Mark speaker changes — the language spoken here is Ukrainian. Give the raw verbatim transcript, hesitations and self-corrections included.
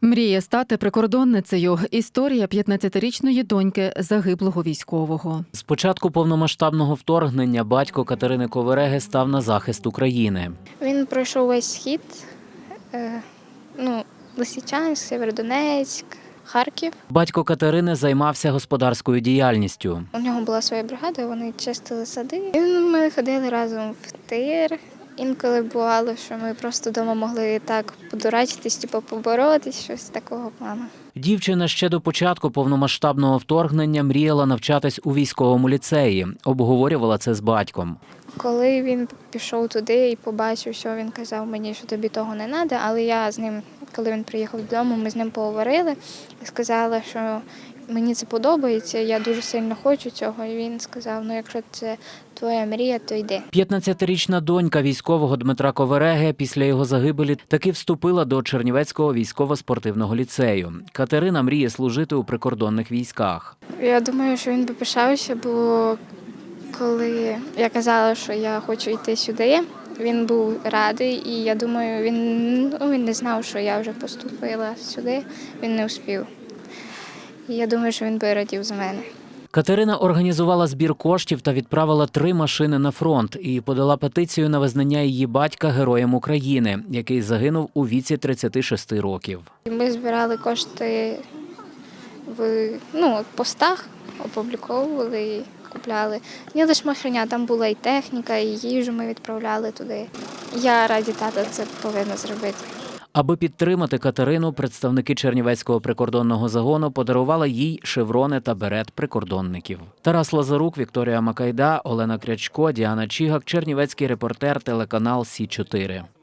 Speaker 1: Мріє стати прикордонницею. Історія п'ятнадцятирічної доньки загиблого військового.
Speaker 2: З початку повномасштабного вторгнення батько Катерини Ковереги став на захист України.
Speaker 3: Він пройшов весь схід, е, ну, Лисичанськ, Сєвєродонецьк, Харків.
Speaker 2: Батько Катерини займався господарською діяльністю.
Speaker 3: У нього була своя бригада, вони чистили сади. І ми ходили разом в тир. Інколи бувало, що ми просто вдома могли так подурачитись, типу поборотись, щось такого плану.
Speaker 2: Дівчина ще до початку повномасштабного вторгнення мріяла навчатись у військовому ліцеї. Обговорювала це з батьком.
Speaker 3: Коли він пішов туди і побачив, що він казав мені, що тобі того не треба, але я з ним, коли він приїхав додому, ми з ним поговорили і сказала, що мені це подобається, я дуже сильно хочу цього. І він сказав, ну якщо це твоя мрія, то йди.
Speaker 2: п'ятнадцятирічна донька військового Дмитра Ковереги після його загибелі таки вступила до Чернівецького військово-спортивного ліцею. Катерина мріє служити у прикордонних військах.
Speaker 3: Я думаю, що він би пишався, бо коли я казала, що я хочу йти сюди, він був радий, і я думаю, він, ну, він не знав, що я вже поступила сюди, він не успів. І я думаю, що він би радів за мене.
Speaker 2: Катерина організувала збір коштів та відправила три машини на фронт і подала петицію на визнання її батька Героєм України, який загинув у віці тридцяти шести років.
Speaker 3: Ми збирали кошти в ну, постах, опубліковували і купляли. Не лише машиня, там була і техніка, і їжу ми відправляли туди. Я раді тата це повинна зробити.
Speaker 2: Аби підтримати Катерину, представники Чернівецького прикордонного загону подарували їй шеврони та берет прикордонників. Тарас Лазарук, Вікторія Макайда, Олена Крячко, Діана Чігак, Чернівецький репортер, телеканал Сі чотири.